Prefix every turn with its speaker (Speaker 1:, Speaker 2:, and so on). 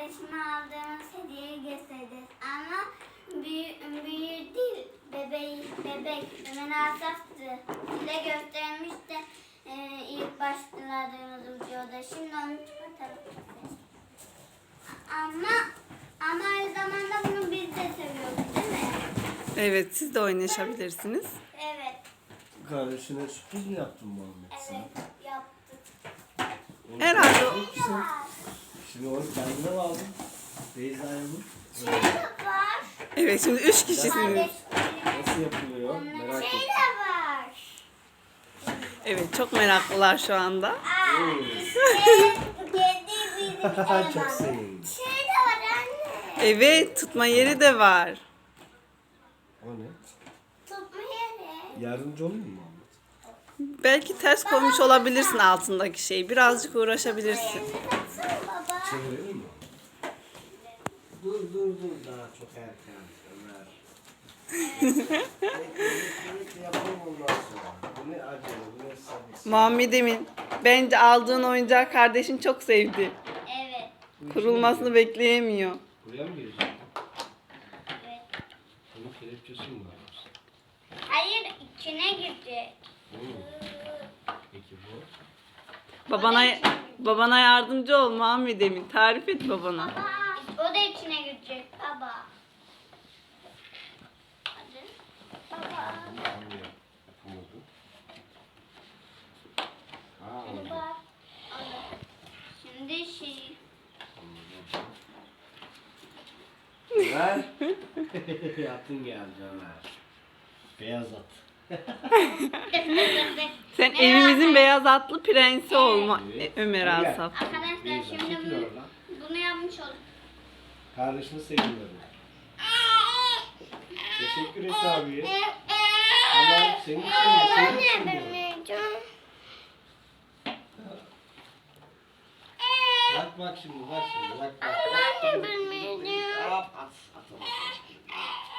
Speaker 1: kardeşime aldığımız hediyeyi göstereceğiz. Ama büyük değil, bebek. Ömer Asaf'tı. Size göstermiş de ilk başladığımız videoda. Şimdi onu çıkartalım. Ama aynı zamanda bunu biz de seviyoruz, değil mi?
Speaker 2: Evet, siz de oynayabilirsiniz.
Speaker 1: Evet.
Speaker 3: Kardeşine sürpriz mi yaptın Muhammed sen?
Speaker 1: Evet, yaptık.
Speaker 2: Herhalde
Speaker 3: Şimdi onu kendine mi aldın? Beyza'ya mı?
Speaker 1: Şey de var.
Speaker 2: Evet, şimdi 3 kişisiniz.
Speaker 1: Kardeşlerim.
Speaker 3: Nasıl yapılıyor?
Speaker 1: Onların
Speaker 3: Merak
Speaker 1: şey
Speaker 3: ettim.
Speaker 1: de var.
Speaker 2: Evet, çok meraklılar şu anda.
Speaker 1: Kedi bizim
Speaker 3: Çok
Speaker 1: eleman.
Speaker 3: sevdim.
Speaker 1: Şey de var anne.
Speaker 2: Evet, tutma yeri de var.
Speaker 3: O ne?
Speaker 1: Tutma yeri.
Speaker 3: Yardımcı olayım mı Muhammed?
Speaker 2: Belki ters koymuş olabilirsin altındaki şeyi. Birazcık uğraşabilirsin.
Speaker 1: Baksana baba.
Speaker 3: Çevirelim mi? Dur daha çok erken Ömer. Bekle yapalım ondan sonra. Bu ne acele, bu ne sabırsız.
Speaker 2: Muhammed Emin, bence aldığın oyuncağı kardeşin çok sevdi.
Speaker 1: Evet.
Speaker 2: Kurulmasını bekleyemiyor.
Speaker 3: Buraya mı girecek?
Speaker 1: Evet.
Speaker 3: Bunun kelepçesi mi var?
Speaker 1: Hayır, içine girecek.
Speaker 3: Peki bu?
Speaker 2: Babana yardımcı ol Muhammed Emin. Tarif et babana.
Speaker 1: Baba. O da içine girecek baba. Hadi. Baba.
Speaker 3: Yapamadı.
Speaker 1: Hadi bak. Hadi. Şimdi şey.
Speaker 3: Ömer. Atın geldi Ömer. Beyaz at.
Speaker 2: Sen evimizin beyaz atlı prensi olma
Speaker 3: Evet.
Speaker 2: Ömer
Speaker 3: Gel.
Speaker 2: Asaf.
Speaker 1: Arkadaşlar
Speaker 3: Beyza,
Speaker 1: şimdi
Speaker 3: çekil oradan.
Speaker 1: bunu yapmış olduk.
Speaker 3: Kardeşini seviyorum. Teşekkür et abi. Tamam, senin için seviyorum. Bak şimdi. Bak.
Speaker 1: Anne bilmeyeceğim.
Speaker 3: At.